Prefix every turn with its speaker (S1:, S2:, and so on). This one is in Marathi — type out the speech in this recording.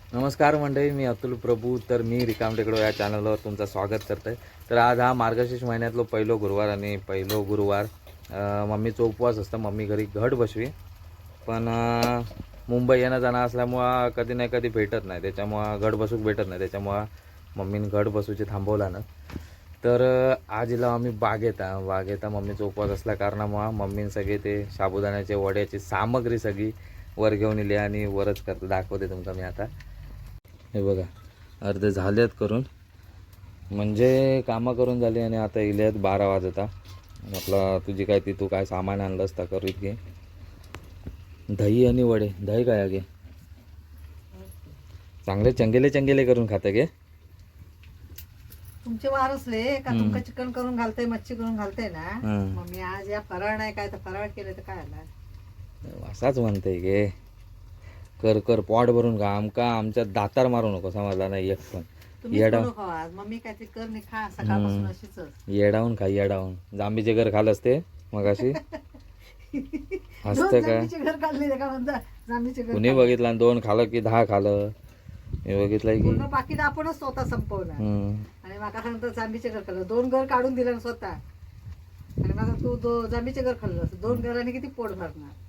S1: नमस्कार मंडळी, मी अतुल प्रभू. तर मी रिकाम टेकडो या चॅनलवर तुमचं स्वागत करतो आहे. तर आज हा मार्गशीर्ष महिन्यातलो पहिलो गुरुवार आणि पहिलो गुरुवार मम्मीचा उपवास असतं. मम्मी घरी घट बसवी, पण मुंबई येणं जाणं असल्यामुळं कधी ना कधी भेटत नाही, त्याच्यामुळं घट बसूक भेटत नाही, त्याच्यामुळं मम्मीने घट बसूचे थांबवला ना. तर आज इला आम्ही बागेता मम्मीचा उपवास असल्या कारणामुळं मम्मीने सगळे ते साबुदाण्याचे वड्याची सामग्री सगळी वर घेऊन इली आणि वरच करतो. दाखवते तुमका मी आता. हे बघा, अर्धे झालेत करून, म्हणजे कामं करून झाली आणि आता इलेत 12 वाजता. म्हटलं तुझी काय ती तू काय सामान आणलंस तर करीत घे. दही आणि वडे. दही काय आहे गे, चांगले चंगेले चंगेले करून खातं गे.
S2: तुमचे वार असले का तुमका चिकन करून घालते, मच्छी करून घालते ना. मग मी आज या फराळ नाही काय तर फराळ केलं तर काय आला
S1: असाच म्हणते गे. कर कर पोट भरून खा, आमका आमच्या दातार मारू नको, समजला नाही एक पण.
S2: तुम्ही करू खावा आज. मम्मी काहीतरी कर नाही खा सकाळपासून अशीच.
S1: येडावून खा, येडावून. जांबीचे घर खालच ते मग अशी असतं काय.
S2: जांभीचे घर काढले का म्हणता. जांभीचे घर
S1: कुणी बघितलं आणि 2 खालं की 10 खालं. मी बघितलंय की
S2: पूर्ण पाकिट आपणच स्वतः संपवलं. आणि माका सांगतो जांभीचे घर खाल्लं. 2 घर काढून दिलं स्वतः. आणि मग तू जांभीचे घर खाल्लं, 2 घरांनी किती पोट भरणार.